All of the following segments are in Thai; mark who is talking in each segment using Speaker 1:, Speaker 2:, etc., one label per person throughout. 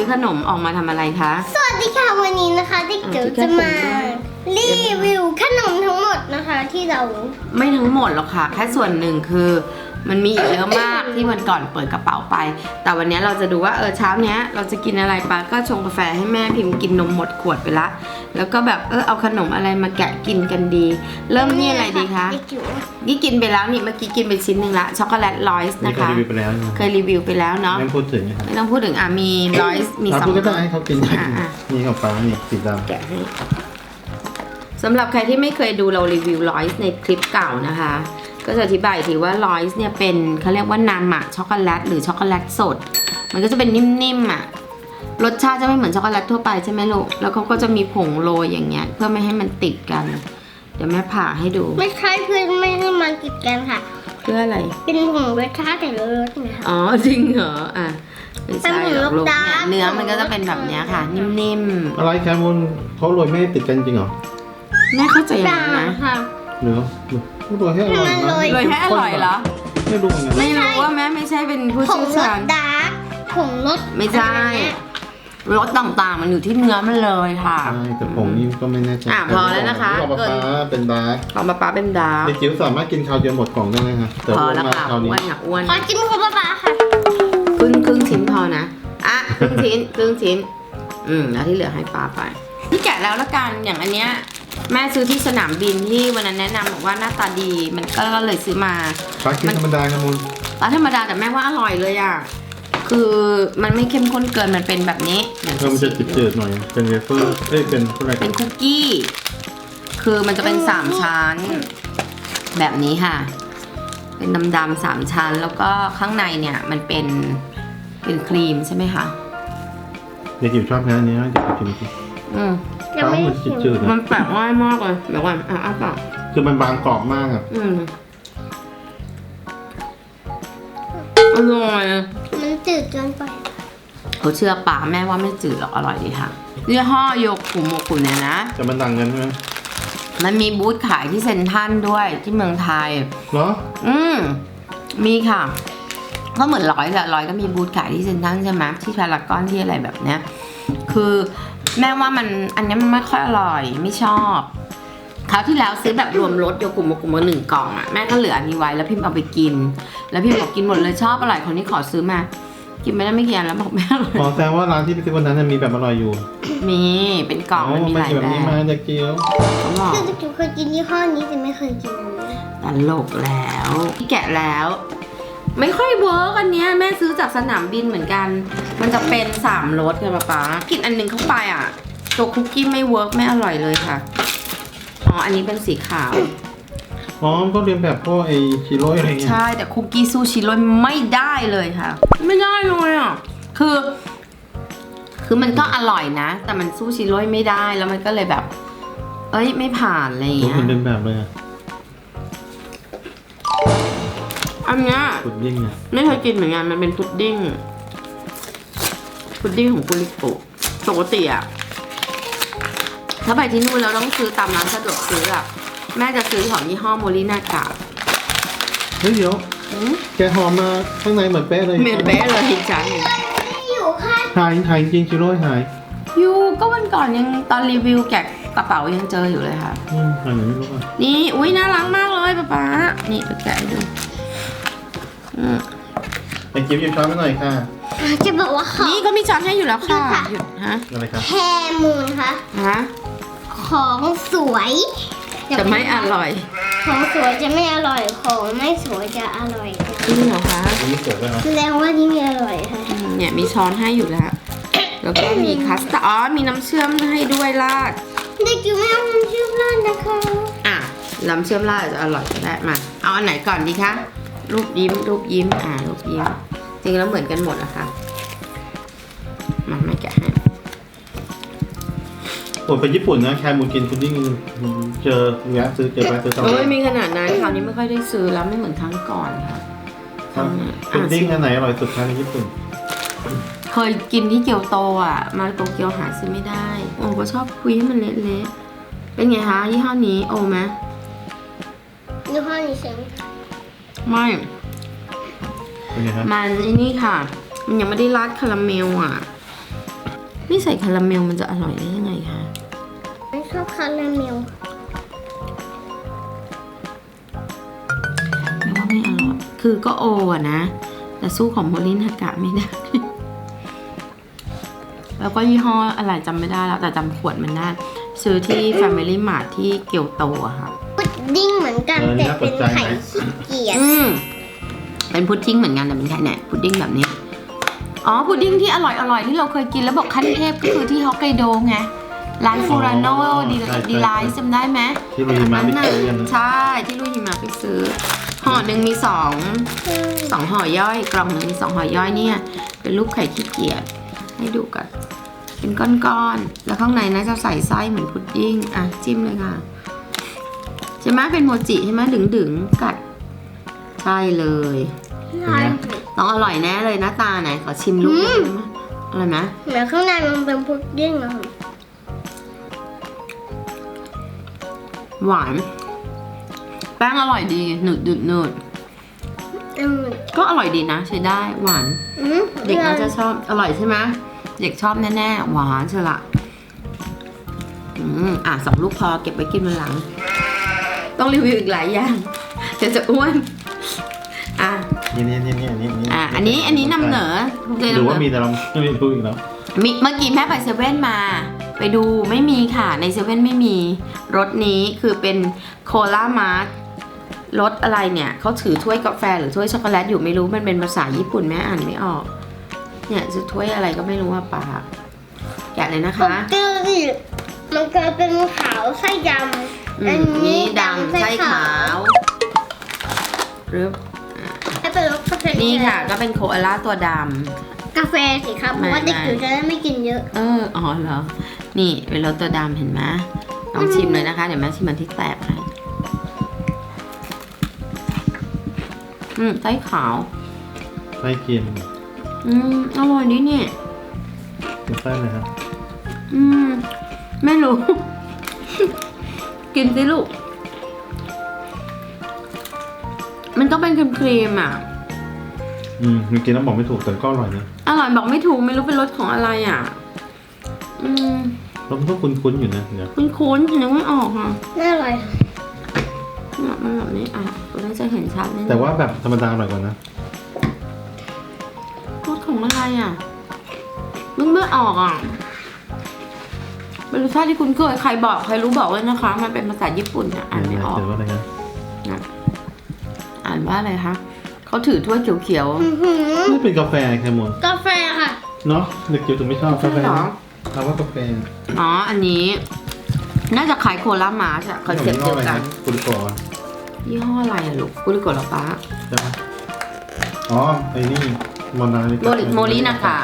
Speaker 1: อขนมออกมาทำอะไรคะ
Speaker 2: สวัสดีค่ะวันนี้นะคะที่เดี๋ยวจะมารีวิวขนมทั้งหมดนะคะที่เรา
Speaker 1: ไม่ทั้งหมดหรอกค่ะแค่ส่วนหนึ่งคือมันมีอีกเยอะมากที่วันก่อนเปิดกระเป๋าไปแต่วันนี้เราจะดูว่าเช้าเนี้ยเราจะกินอะไรปะก็ชงกาแฟให้แม่พิมพ์กินนมหมดขวดไปละแล้วก็แบบเอาขนมอะไรมาแกะกินกันดี เริ่มนี่อะไรดีคะนี่กินไปแล้วนี่เมื่อกี้กินไปชิ้นหนึ่งละช็อกโกแลตลอยส์นะคะเคยรีวิวไปแล้วเนาะ
Speaker 3: ไม่พูดถึงนะครับ
Speaker 1: ไม่ต้องพูดถึงมีลอยส์มีสอง
Speaker 3: ก็ได้ให้เขากินนี่ของฟ้านี่สีดำ
Speaker 1: แกะให้สำหรับใครที่ไม่เคยดูเรารีวิวลอยส์ในคลิปเก่านะคะก็จะอธิบายทีว่าลอยส์เนี่ยเป็นเขาเรียกว่านามะช็อกโกแลตหรือช็อกโกแลตสดมันก็จะเป็นนิ่มๆอ่ะรสชาติจะไม่เหมือนช็อกโกแลตทั่วไปใช่ไหมลูกแล้วเขาก็จะมีผงโรยอย่างเงี้ยเพื่อไม่ให้มันติดกันเดี๋ยวแม่ผ่าให้ดู
Speaker 2: ไม่ใช่เพื่อนไม่ให้มันติดกันค่ะ
Speaker 1: เพื่ออะไร
Speaker 2: เป็นผงรสชาติแต่ละรสนะคะ
Speaker 1: อ๋อจริงเหรอไม่ใช่หรอกลูก
Speaker 2: เป็นผงรสดาร์ก
Speaker 1: เนื้อมันก็จะเป็นแบบเนี้ยค่ะ นิ่ม
Speaker 3: อะไรแคมูลเขาโรยไม่ให้ติดกันจริงเหรอ
Speaker 1: ๆแม่เข้าใจอย่างนั้นนะ
Speaker 2: ค่ะ
Speaker 3: เนื้อโรยให้อร่อยนะ
Speaker 1: เลยให้อร่อยเหรอ
Speaker 3: ไม่รู้เหมือนกัน
Speaker 1: ไม่รู้ว่าแม่ไม่ใช่เป็นผู้
Speaker 2: ผง
Speaker 1: เชี่ยว
Speaker 2: ร
Speaker 1: ชา
Speaker 2: ส
Speaker 1: ญ
Speaker 2: ดาร์กผงรส
Speaker 1: ไม่ใช่ รสต่างๆมันอยู่ที่เนื้อมันเลยค่ะ
Speaker 3: ใช่แต่ผงนี่ก็ไม่แน่ใจ
Speaker 1: พอแล้วนะคะ
Speaker 3: ของป๊าป๊าเป็นดาร์ก
Speaker 1: ของป๊าเป็นดาร์ก
Speaker 3: เด็กจิ๋วสามารถกินคราวเดียวหมดกล่องได้ไหมคะแต่
Speaker 1: พอ
Speaker 3: ว่า
Speaker 1: แล้ว
Speaker 3: มา
Speaker 1: ค่ะ
Speaker 3: คราว
Speaker 1: อ้
Speaker 3: นี้
Speaker 1: วนค่ะอ้วน
Speaker 2: ขอจิ้มของป๊าค่ะ
Speaker 1: ครึ่งชิ้นพอนะครึ่งชิ้นแล้วที่เหลือให้ป้าไปที่แกะแล้วละกันอย่างอันเนี้ยแม่ซื้อที่สนามบินที่วันนั้นแนะนำบอกว่าหน้าตาดีมันก็เลยซื้อมา
Speaker 3: ฟ้ากินธรรมดาแคมูล
Speaker 1: ร้านธรรมดาแต่แม่ว่าอร่อยเลยอ่ะคือมันไม่เข้มข้นเกินมันเป็นแบบนี้
Speaker 3: มันจะจืดๆหน่อยเป็นเวเฟอร์เป็นอะไร
Speaker 1: เป็นคุกกี้ คือมันจะเป็น3ชั้นแบบนี้ค่ะ เป็นดำๆ3ชั้นแล้วก็ข้างในเนี่ยมันเป็นครีมใช่ไหมคะ
Speaker 3: เด็กจิ๋วชอบแค่นี้นะเด็กจิ๋วกิน
Speaker 2: ยังไม่
Speaker 3: มัน
Speaker 2: ชิม
Speaker 3: จืดๆ
Speaker 1: มั
Speaker 3: นะ
Speaker 1: นแปลกง่ายมากเลยเดี๋ยวก่อนอ้าปาก
Speaker 3: คือมันบางกรอบมากอ่ะ
Speaker 1: อร่อย
Speaker 2: มันจืดเกินไป
Speaker 1: เขาเชื่อป่าแม่ว่าไม่จืดหรอกอร่อยดีค่ะยี่ห้อโยกุโมกุเนี่ยนะ
Speaker 3: แต่มันต่างกันใช่ไหม
Speaker 1: มันมีบูธขายที่เซ็นทรัลด้วยที่เมืองไทย
Speaker 3: เหรอ
Speaker 1: มีค่ะก็เหมือนร้อยแหละร้อยก็มีบูธขายที่เซ็นทรัลใช่ไหมที่พารากอนที่อะไรแบบเนี้ยคือแม่ว่ามันอันนี้มันไม่ค่อยอร่อยไม่ชอบคราวที่แล้วซื้อแบบรวมรสโยกุโมกุมา1 กล่องอ่ะแม่ก็เหลืออันนี้ไว้แล้วพิมพ์เอาไปกิน แล้วพิมพ์บอกกินหมดเลยชอบอร่อยคนนี้ขอซื้อมา กินไม่ได้ไม่กี่อันแล้วบอกแม่อร่อย
Speaker 3: ขอแสดงว่าร้านที่ไปซื้อวันนั้นมีแบบอร่อยอยู่
Speaker 1: มีเป็นกล่องมันมีหลาย
Speaker 3: แบบ
Speaker 1: แบ
Speaker 3: นี้มา
Speaker 1: บ
Speaker 3: จากเกี๊ยว
Speaker 1: เขาบอก
Speaker 2: คือจิ๋วเคยกินยี่ห้อนี้แต่ไม่เคยกินอันนี้
Speaker 1: ตลกแล้วที่แกะแล้ว ไม่ค่อยเวิร์กอันเนี้ยแม่ซื้อจากสนามบินเหมือนกัน มันจะเป็น3 รสค่ะป๊ากินอันหนึงเข้าไปอ่ะตัวคุกกี้ไม่เวิร์กไม่อร่อยเลยค่ะอ๋ออันนี้เป็นสีขาว
Speaker 3: อ๋อก็เรียนแบบพวกไอชิโร่อะไรเงี้ย
Speaker 1: ใช่แต่คุกกี้ซูชิโร่ไม่ได้เลยค่ะ ไม่ได้เลยอ่ะคือมันก็อร่อยนะ แต่มันสู้ชิโร่ไม่ได้แล้วมันก็เลยแบบ ไม่ผ่านอะไรอย่าง
Speaker 3: ตัว
Speaker 1: เงี้ย
Speaker 3: คุณเรียนแบบเลยอะ
Speaker 1: อันเนี้ย
Speaker 3: สุดยิ่งอะ
Speaker 1: ไม่เคยกินเหมือนกันมันเป็นพุดดิ้งของกุลิโกะปกติอะถ้าไปที่นู่นเราต้องซื้อตามร้านสะดวกซื้ออะแม่จะซื้อของยี่ห้อโมลินากะ
Speaker 3: เฮ้ยเดี๋ยวแกหอมมาข้างในเหมือนเป๊ะเลย
Speaker 1: เหมือนเป๊ะเลยอีกชั้นหนึ่ง
Speaker 2: อยู่ค่ะ
Speaker 3: หายจริงชิโร่หาย
Speaker 1: ยูก็วันก่อนยังตอนรีวิวแกะกระเป๋ายังเจออยู่เลยค่ะ
Speaker 3: หายไหนไม่รู้อ่ะ
Speaker 1: นี่อุ้ยน่ารักมากเลยป๊านี่ไปแกะให้ดู
Speaker 3: ไอจิ๊บหยิบช้อนมาหน่อยค่ะ
Speaker 2: จะบอกว่าของ
Speaker 1: นี่ก็มีช้อนให้อยู่แล้วค่ะ
Speaker 2: ดูค่ะ
Speaker 1: หยุดฮะ
Speaker 3: อะไรครับ
Speaker 2: แฮมูนค่ะ
Speaker 1: ฮะ
Speaker 2: ของสวย
Speaker 1: จะไม่อร่อย
Speaker 2: ของสวยจะไม่อร่อยของไม่สวยจะอร่อย
Speaker 1: จริงเหรอคะ
Speaker 3: อันนี้สวยด้วยนะ
Speaker 2: แสดงว่านี่ไม่อร่อยค่ะ
Speaker 1: เนี่ยมีช้อนให้อยู่แล้ว แล้วก็มีคัสตาร์ดอ๋อมีน้ำเชื่อมให้ด้วยราด
Speaker 2: เด็กอยู่ไม่เอาน้ำเชื่อมราดนะคะ
Speaker 1: น้ำเชื่อมราดอาจจะอร่อยก็ได้มาเอาอันไหนก่อนดีคะรูปยิ้มรูปยิ้มรูปยิ้มจริงแล้วเหมือนกันหมดนะคะมาไม่แกะให้
Speaker 3: โอ้ไปญี่ปุ่นนะแคมูลกินพุดดิ้งเจอเนี้ยซื้อไปซื้อ
Speaker 1: โอ้ยมีขนาดนั้นคราวนี้ไม่ค่อยได้ซื้อแล้วไม่เหมือนครั้งก่อนค่ะ
Speaker 3: พุดดิ้งอันไหนอร่อยสุดคะในญี่ปุ่น
Speaker 1: เคยกินที่เกียวโตอ่ะมาโตเกียวหาซื้อไม่ได้โอ้ก็ชอบคุยให้มันเละๆเป็นไงคะยี่ห้อนี้โอไหม
Speaker 2: ยี่ห้อนี้ใช่ไหม
Speaker 1: ไม่
Speaker 3: เป็นไงฮะ
Speaker 1: มันไอ้นี่ค่ะ มันยังไม่ได้ราดคาราเมลอ่ะไม่ใส่คาราเมลมันจะอร่อยได้ยังไงคะ
Speaker 2: ไม่ชอบคาราเมล
Speaker 1: ไม่ว่าไม่อร่อยคือก็โออะนะแต่สู้ของโมลินฮากะไม่ได้ แล้วก็ยี่ห้ออะไรจำไม่ได้แล้วแต่จำขวดมันได้ซื้อที่ Family Mart ที่เกียวโตอะค่ะ
Speaker 2: พุดดิ้งเหมือนกันแต่เป็นไข่ขี้เกียจ
Speaker 1: เป็นพุดดิ้งเหมือนกันแต่เป็นไข่เนี่ยพุดดิ้งแบบนี้อ๋อพุดดิ้งที่อร่อยที่เราเคยกินแล้วบอกขั้นเทพก็คือที่ฮอกไกโดไงร้านฟูรานโนดีไลท์จำได้ไหม
Speaker 3: ที่เราหิมะไปซื้อกัน
Speaker 1: ใช่ที่ลุยหิมะไปซื้อห่อหนึ่งมีสองห่อย่อยกล่องหนึ่งมี2ห่อย่อยเนี่ยเป็นรูปไข่ขี้เกียจให้ดูกันเป็นก้อนๆแล้วข้างในน่าจะใส่ไส้เหมือนพุดดิ้งอ่ะจิ้มเลยค่ะใช่ไหมเป็นโมจิใช่ไหมดึงกัดใช่เลยต้องอร่อยแน่เลยหน้าตาไหนขอชิมลูกได้ไหมอร่อยไหม
Speaker 2: เหมือนข้างในมันเป็นพุดดิ้งอะค่ะ
Speaker 1: หวานแป้งอร่อยดีหนืดก็อร่อยดีนะใช้ได้หวานเด็กน่าจะชอบอร่อยใช่ไหมเด็กชอบแน่ๆหวานเชียวละ2 ลูกพอเก็บไว้กินวันหลังต้องรีวิวอีกหลายอย่างเดี๋ยวจะอ้วน
Speaker 3: นี่
Speaker 1: อันนี้นำเหนอ
Speaker 3: หรือว่ามีแต่เราไม่รู้อีกแล้ว
Speaker 1: เมื่อกี้แม่ไปเซเว่นมาไปดูไม่มีค่ะในเซเว่นไม่มีรสนี้คือเป็นโคลามาร์ทรสอะไรเนี่ยเขาถือถ้วยกาแฟหรือถ้วยช็อกโกแลตอยู่ไม่รู้มันเป็นภาษาญี่ปุ่นแม่อ่านไม่ออกเนี่ยจะถ้วยอะไรก็ไม่รู้ว่าปากแกะเลยนะคะ
Speaker 2: มันก็เป็นขาวไส้ดำอันนี้
Speaker 1: ดำไส้ขาวหรือ
Speaker 2: ให้เป็นรสกาแฟ
Speaker 1: นี่ค่ะก็เป็นโคอาล่าตัวด
Speaker 2: กาแฟสิครับเพราะว่าเด็กจิ๋วจะได้ไม่กินเยอะ
Speaker 1: ำอ๋อเหรอนี่เป็นรสตัวดำเห็นไหมลองชิมเลยนะคะเดี๋ยวแม่ชิมมันที่แตกให้ไส้ขาว
Speaker 3: ไส้เค็ม
Speaker 1: อร่อยดีเนี่ย
Speaker 3: เป็นไส้อะไรครับ
Speaker 1: ไม่รู้ กินสิลูกมันก็เป็นครีมอ่ะ
Speaker 3: มันกินแล้วบอกไม่ถูกแต่ก็อร่อยนะ
Speaker 1: อร่อยบอกไม่ถูกไม่รู้เป็นรสของอะไรอ่ะ
Speaker 3: รสมันก็คุ้นๆอยู่นะเดี๋ยว
Speaker 1: คุ้นๆนึกไม่ออกค่ะ
Speaker 2: น่าอร่อย
Speaker 1: มันแบบนี้เราได้จะเห็นชัดแน่
Speaker 3: แต่ว่าแบบธรรมดาอร่อยกว่านะ
Speaker 1: รสของอะไรอ่ะนึกไม่ออกอ่ะเป็นรสชาติที่คุ้นเคยใครบอกใครรู้บอกเลยนะคะมันเป็นภาษาญี่ปุ่นอ่านไม่ออก
Speaker 3: เดี๋ยวว่าอะไรนะ
Speaker 1: อ่านว่าอะไรคะเขาถือถ้วยเขียว
Speaker 3: ไม่เป็นกาแฟแคมูล
Speaker 2: กาแฟค่ะ
Speaker 3: เนาะเด็กจิ๋วถึงไม่ชอบกาแฟ
Speaker 1: เหรอ
Speaker 3: เราว่ากาแฟ
Speaker 1: อันนี้น่าจะขายโคลามาใช่คอนเซ็ปต์เดียวกัน
Speaker 3: กุลิโกะ
Speaker 1: ยี่ห้ออะไรอะลูกกุลิโกะเหรอป้า
Speaker 3: ใช่ไหมอ๋อไอ้นี่
Speaker 1: โมลินะคะ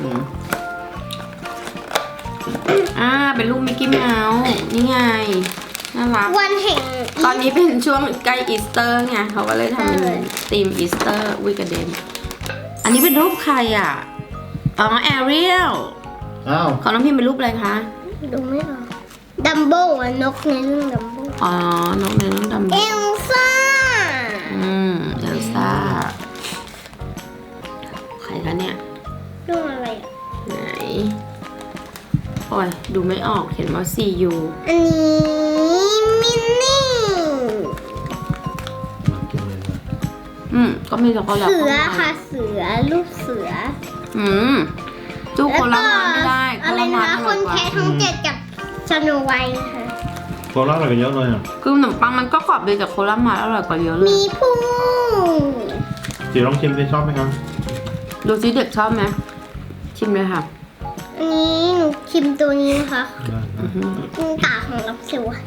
Speaker 1: เป็นลูกมิกกี้เมาส์นี่ไงน่ารัก
Speaker 2: วันแห่ง
Speaker 1: ตอนนี้เป็นช่วงใกล้อีสเตอร์ไงเขาก็เลยทำเป็นธีมอีสเตอร์วิกเดนอันนี้เป็นรูปใครอ่ะแอเรียล
Speaker 3: อ้าว
Speaker 1: ของน้องพิมเป็นรูปอะไรคะ
Speaker 2: ดูไม่ออกดัมโบ้อะนกในเรื่องดัมโบ้
Speaker 1: น้องในน้องดำ
Speaker 2: เอลซ่า
Speaker 1: เอลซ่าใครคะเนี่ย
Speaker 2: เรื่องอะไรอะ
Speaker 1: ไหนโอ้ยดูไม่ออกเห็นว่า CU
Speaker 2: อันนี้มินนี่
Speaker 3: มากินเลยนะ
Speaker 1: ก็มีช็อกโกแลต
Speaker 2: เสือค่ะเสือลูกเสือ
Speaker 1: จูโคลามาไม่ได้
Speaker 2: อะไรนะคะคนแค่ทั้ง7กับชโนไวท์นะคะ
Speaker 3: โคลาอร่อยกันเยอะเลยอ่ะ
Speaker 1: คือขนมปังมันก็กรอบดีแต่โคลามาอร่อยกว่าเยอะเลย
Speaker 2: มีผู้
Speaker 3: จิ๋วลองชิมดิชอบไหมครับ
Speaker 1: ดูซิเด็กชอบไหมชิมเลยค่ะ
Speaker 2: อันนี้หนูชิมตัวนี้นะคะ
Speaker 3: ได้
Speaker 2: ตาของรับสิวอะ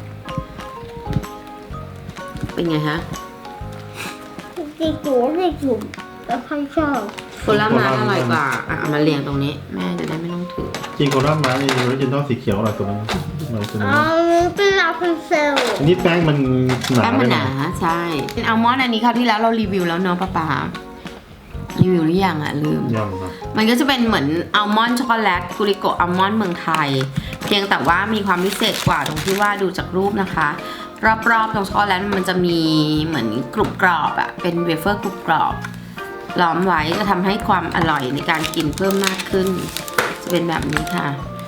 Speaker 1: เป็นไงฮะ
Speaker 2: เด็กจูแล้วใครชอบ
Speaker 1: โคลามาอร่อยกว่าเอามาเรียงตรงนี้แม่จะได้ไม่ต้องถือ
Speaker 3: จริงโคลามาในออริจินอลสีเขียวอร่อยกว่านั้นอร่อยกว่านั้น
Speaker 2: เป็นลาพันเซล
Speaker 3: อันนี้แป้งมันหนา
Speaker 1: แป้งมันหนาใช่เป็นอัลมอนด์อันนี้คราวที่แล้วเรารีวิวแล้วเนาะป้ารีวิวหรือยังลืม
Speaker 3: ยังครับ
Speaker 1: มันก็จะเป็นเหมือนอัลมอนด์ช็อกโกแลตกุริโกะอัลมอนด์เมืองไทย เพียงแต่ว่ามีความพิเศษกว่าตรงที่ว่าดูจากรูปนะคะ รอบๆตรงช็อกโกแลตมันจะมีเหมือนกรุบกรอบอะเป็นเวเฟอร์กรุบกรอบล้อมไว้จะทำให้ความอร่อยในการกินเพิ่มมากขึ้น จะเป็นแบบนี้ค่ะ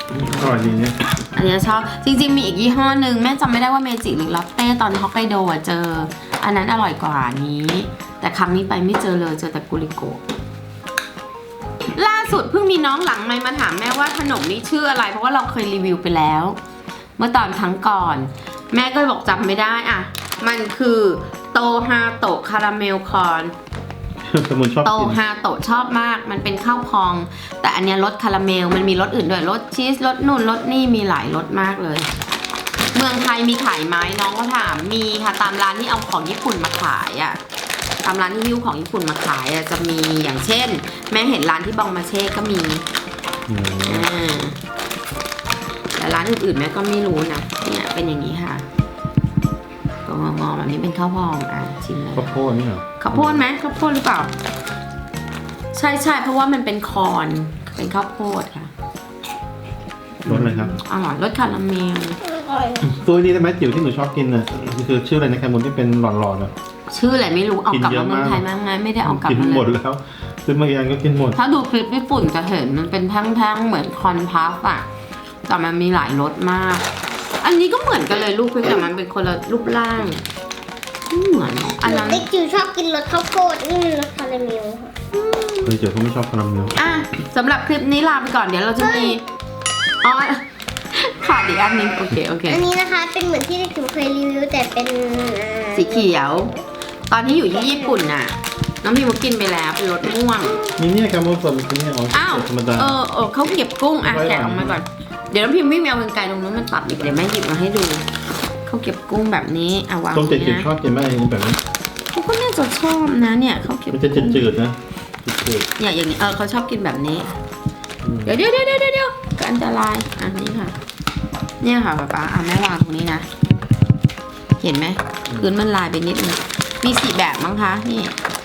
Speaker 3: อร่อยดีเนี่ย
Speaker 1: อันนี้ชอบจริงๆมีอีกยี่ห้อหนึ่งแม่จำไม่ได้ว่าเมจิหรือลอตเต้ตอนฮอกไกโดอะเจอ อันนั้นอร่อยกว่านี้ แต่ครั้งนี้ไปไม่เจอเลยเจอแต่กุลิโกะล่าสุดเพิ่งมีน้องหลังไมค์มาถามแม่ว่าขนมนี้ชื่ออะไร เพราะว่าเราเคยรีวิวไปแล้ว เมื่อตอนครั้งก่อน แม่ก็บอกจำไม่ได้อ่ะมันคือโตฮาโตะคาราเมลคอร์น
Speaker 3: สมุนชอบ
Speaker 1: โต
Speaker 3: กิน
Speaker 1: ฮาโตะชอบมาก มันเป็นข้าวพอง แต่อันเนี้ยรสคาราเมล มันมีรสอื่นด้วย รสชีส รสนู่น รสนี่ มีหลายรสมากเลย เมืองไทยมีขายไหมน้องก็ถาม มีค่ะ ตามร้านที่เอาของญี่ปุ่นมาขายอะตามร้านที่หิ้วของญี่ปุ่นมาขายอะจะมีอย่างเช่น แม่เห็นร้านที่บองมาเช่ก็มี อ่า แต่ร้านอื่นๆแม่ก็ไม่รู้นะ เนี่ยเป็นอย่างนี้ค่ะตัวงอๆแบบนี้เป็นข้าวพอง อ่ะชิมเลย
Speaker 3: ข้าวโพดนี่เหรอ
Speaker 1: ข้าวโพดไหมข้าวโพดหรือเปล่า ใช่ใช่เพราะว่ามันเป็นคอร์นเป็นข้าวโพดค่ะ
Speaker 3: รสอะไรครับ
Speaker 1: อร่อยรสคาราเมล
Speaker 2: อร่อย
Speaker 3: ตัวนี้ได้ไหมจิ๋วที่หนูชอบกินน่ะคือชื่ออะไรนะแคมูลที่เป็นหลอดๆอ่ะ
Speaker 1: ชื่ออะไรไม่รู้เอากลับ
Speaker 3: กินเย
Speaker 1: มา
Speaker 3: อะ
Speaker 1: เมืองไทย
Speaker 3: มาก
Speaker 1: มาไงไม่ได้เอากลับ
Speaker 3: กิน
Speaker 1: มา
Speaker 3: หมด
Speaker 1: เลย
Speaker 3: แล้วซื้อมากี่อันก็กินหมด
Speaker 1: ถ้าดูคลิปญี่ปุ่นจะเห็นมันเป็นแท่งๆเหมือนคอนพัฟอะแต่มันมีหลายรสมาก อันนี้ก็เหมือนกันเลยลูกเพียงแต่มันเป็นคนละรูปร่างไม่เหมือนหรอกอันนั้น
Speaker 2: เด็กจิ๋วชอบกินรสข้าวโพดนี่มันรสคาราเมลค่ะ
Speaker 3: เฮ้ยเจ๋อเขาไม่ชอบคาราเมล
Speaker 1: อ่ะสำหรับคลิปนี้ลาไปก่อนเดี๋ยวเราจะมีอ๋อขาดอีกอันหนึงโอเคโอเค
Speaker 2: อันนี้นะคะเป็นเหมือนที่เด็กจิ๋วเคยรีวิวแต่เป็น
Speaker 1: สีเขียว ตอนที่อยู่ที่ญี่ปุ่นน่ะ น้องพิมก็กินไปแล้วเป็นรสม่วง
Speaker 3: มีเนี่ยแคมูลสดมีเนี่ยอ๋อ
Speaker 1: อ้าว
Speaker 3: ธรรมดา
Speaker 1: เขาเก็บกุ้งอ่ะ
Speaker 3: ไว้หลัง
Speaker 1: แกะออกมาก่อน เดี๋ยวน้องพิมวิ่งไปเอากรรไกรตรงนู้นมันตัดอีกเดี๋ยวแม่หยิบมาให้ดู เขาเก็บกุ้งแบบนี้เอาวาง
Speaker 3: ต้ม
Speaker 1: ไว้
Speaker 3: จืด
Speaker 1: นะ
Speaker 3: ๆชอบกินไหมแบบนี้
Speaker 1: เขาก็น่าจะชอบนะเนี่ยเขาเก็บ
Speaker 3: มันจะจืดๆนะจืด
Speaker 1: เนี่ยอย่างนี้เขาชอบกินแบบนี้
Speaker 3: ๆอืม
Speaker 1: เดี๋ยวก็อันตรายอันนี้ค่ะ เนี่ยค่ะป๊าแม่วางตรงนี้นะ เห็นไหมพื้นมันลายไปนิดนึงมี4แบบมั้งคะนี่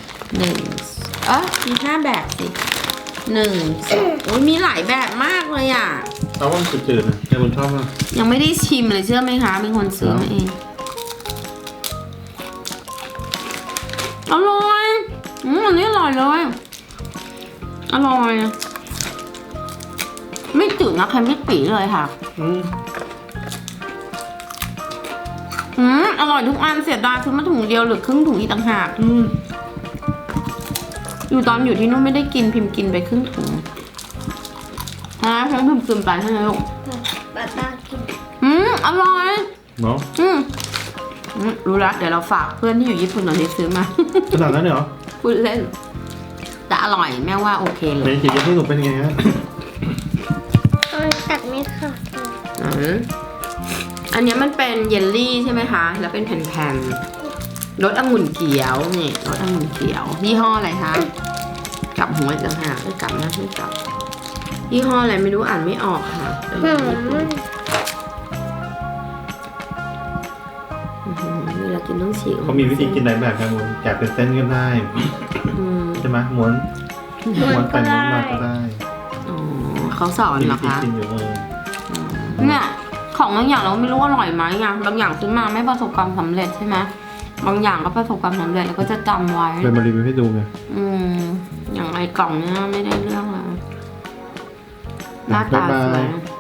Speaker 1: มี5แบบสิ1 2โอ้ยมีหลายแบบมากเลยอ่ะ
Speaker 3: เอาว่ามันจืดๆนะแคมูลชอบมาก
Speaker 1: ยังไม่ได้ชิมเลยเชื่อไหมคะเป็นคนซื้อมาเองอร่อยอันนี้อร่อยเลยอร่อยไม่จืดนะเค็มไม่ปีเลยค่ะ อร่อยทุกอันเสียดายซื้อมาถุงเดียวหรือครึ่งถุงอีกต่างหากอยู่ตอนอยู่ที่นู่นไม่ได้กินพิมพ์กินไปครึ่งถุงฉันพิมพ์กินไปใช่ไหมลูก
Speaker 2: ป้ากิน
Speaker 1: อร่อย
Speaker 3: เนาะ
Speaker 1: รู้ละเดี๋ยวเราฝากเพื่อนที่อยู่ญี่ปุ่นตอนนี้ซื้อมา
Speaker 3: ขนาดนั้นเลยเหรอ
Speaker 1: พูดเล่นแต่อร่อยแม่ว่าโอเคเล
Speaker 3: เม
Speaker 1: ย
Speaker 3: จิที่หนูเป็นยังไงฮะ
Speaker 2: ตัดไม่ค่ะ
Speaker 1: อันนี้มันเป็นเยลลี่ใช่ไหมคะ แล้วเป็นแผ่นๆรสองุ่นเขียวนี่รสองุ่นเขียวยี่ห้ออะไรคะกลับหัวจังหากไม่กลับนะไม่กลับยี่ห้ออะไรไม่รู้อ่านไม่ออกค่ะเป็นของญี่ปุ่นเวลากินต้องฉีก
Speaker 3: เขามีวิธีกินหลายแบบแคมูลแกะเป็นเส้นก็ได้ใช่ไหมม้วนไปม้วนมาก็ได้
Speaker 1: อ๋อเขาสอน
Speaker 3: มี
Speaker 1: เหร
Speaker 3: วิ
Speaker 1: อ
Speaker 3: ธี
Speaker 1: คะ
Speaker 3: กินอยู่
Speaker 1: เนี่ยของบางอย่างเราไม่รู้อร่อยไหมไงบางอย่างซื้อมาไม่ประสบความสำเร็จใช่ไหมบางอย่างก็ประสบความสำเร็จแล้วก็จะจำไว้
Speaker 3: เลยมารีวิวให้ดูไง
Speaker 1: อย่างไอ้กล่องเนี้ยไม่ได้เรื่องเลยหน้าตาสวย